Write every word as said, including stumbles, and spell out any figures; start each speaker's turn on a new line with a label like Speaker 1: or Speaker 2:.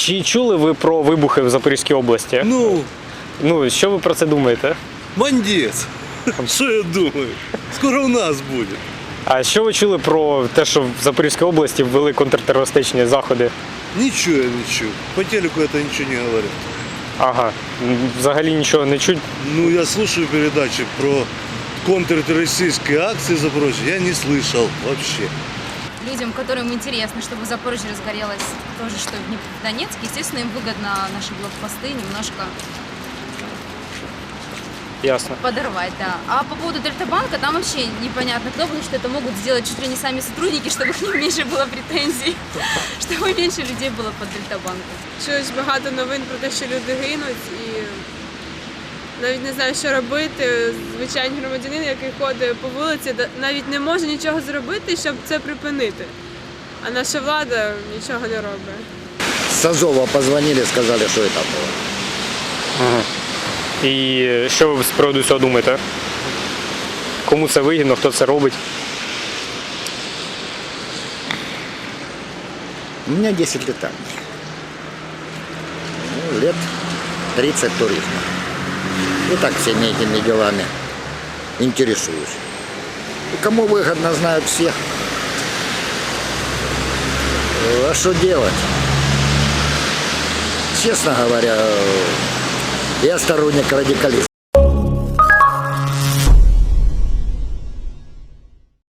Speaker 1: Чи чули ви про вибухи в Запорізькій області?
Speaker 2: Ну,
Speaker 1: Ну, що ви про це думаєте?
Speaker 2: бандец. Що я думаю? Скоро у нас буде.
Speaker 1: А що ви чули про те, що в Запорізькій області ввели контртерористичні заходи?
Speaker 2: Нічого я не чув. По телеку это ничего не говорят.
Speaker 1: Ага, м, взагалі нічого не чуть.
Speaker 2: Ну, я слушаю передачи про контртеррористические акции в Запорожье. Я не слышал вообще.
Speaker 3: Людям, которым интересно, чтобы Запорожье разгорелось то же, что и в Днеп- в Донецке, естественно, им выгодно наши блокпосты немножко
Speaker 1: Ясно.
Speaker 3: подорвать, да. А по поводу Дельтабанка, там вообще непонятно кто, потому что это могут сделать чуть ли не сами сотрудники, чтобы к ним меньше было претензий, чтобы меньше людей было под Дельтабанком.
Speaker 4: Чуєш багато новин про те, що люди гинуть, і навіть не знаю, що робити. Звичайний громадянин, який ходить по вулиці, да- навіть не може нічого зробити, щоб це припинити. А наша влада нічого не робить.
Speaker 5: С Азова позвонили, сказали, что это было.
Speaker 1: І що ви з приводу цього думаєте? Кому це вигідно, хто це робить?
Speaker 5: У меня десять летаний. Ну, лет тридцать туризма. И так всеми этими делами интересуюсь. И кому выгодно, знают все. А что делать? Честно говоря, я сторонник радикализма.